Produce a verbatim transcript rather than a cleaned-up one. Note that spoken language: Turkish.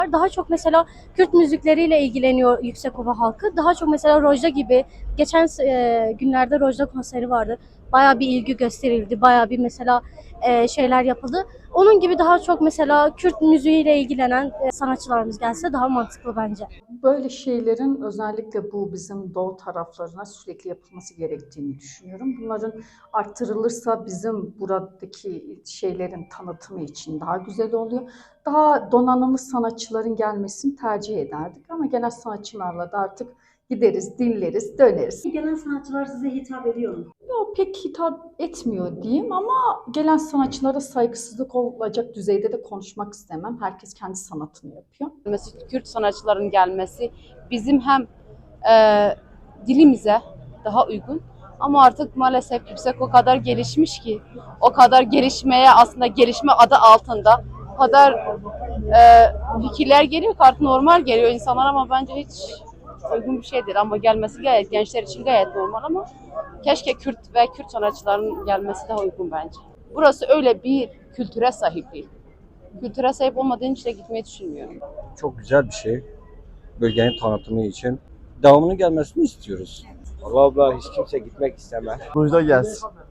Daha çok mesela Kürt müzikleriyle ilgileniyor Yüksekova halkı. Daha çok mesela Rojda gibi geçen e, günlerde Rojda konseri vardı. Bayağı bir ilgi gösterildi. Bayağı bir mesela e, şeyler yapıldı. Onun gibi daha çok mesela Kürt müziğiyle ilgilenen e, sanatçılarımız gelse daha mantıklı bence. Böyle şeylerin özellikle bu bizim doğu taraflarına sürekli yapılması gerektiğini düşünüyorum. Bunların arttırılırsa bizim buradaki şeylerin tanıtımı için daha güzel oluyor. Daha donanımlı sanatçıların gelmesini tercih ederdik ama genel sanatçılarla da artık gideriz, dinleriz, döneriz. Gelen sanatçılar size hitap ediyor mu? Yok, pek hitap etmiyor diyeyim ama gelen sanatçılara saygısızlık olacak düzeyde de konuşmak istemem. Herkes kendi sanatını yapıyor. Mesela Kürt sanatçıların gelmesi bizim hem e, dilimize daha uygun ama artık maalesef yüksek o kadar gelişmiş ki o kadar gelişmeye aslında gelişme adı altında o kadar e, fikirler geliyor ki artık normal geliyor insanlar ama bence hiç uygun bir şey değil ama gelmesi gayet gençler için gayet normal ama keşke Kürt ve Kürt sanatçıların gelmesi daha uygun bence. Burası öyle bir kültüre sahip değil. Kültüre sahip olmadığın için de gitmeyi düşünmüyorum. Çok güzel bir şey. Bölgenin tanıtımı için. Devamının gelmesini istiyoruz. Vallahi abla hiç kimse gitmek istemez. Rojda gelsin.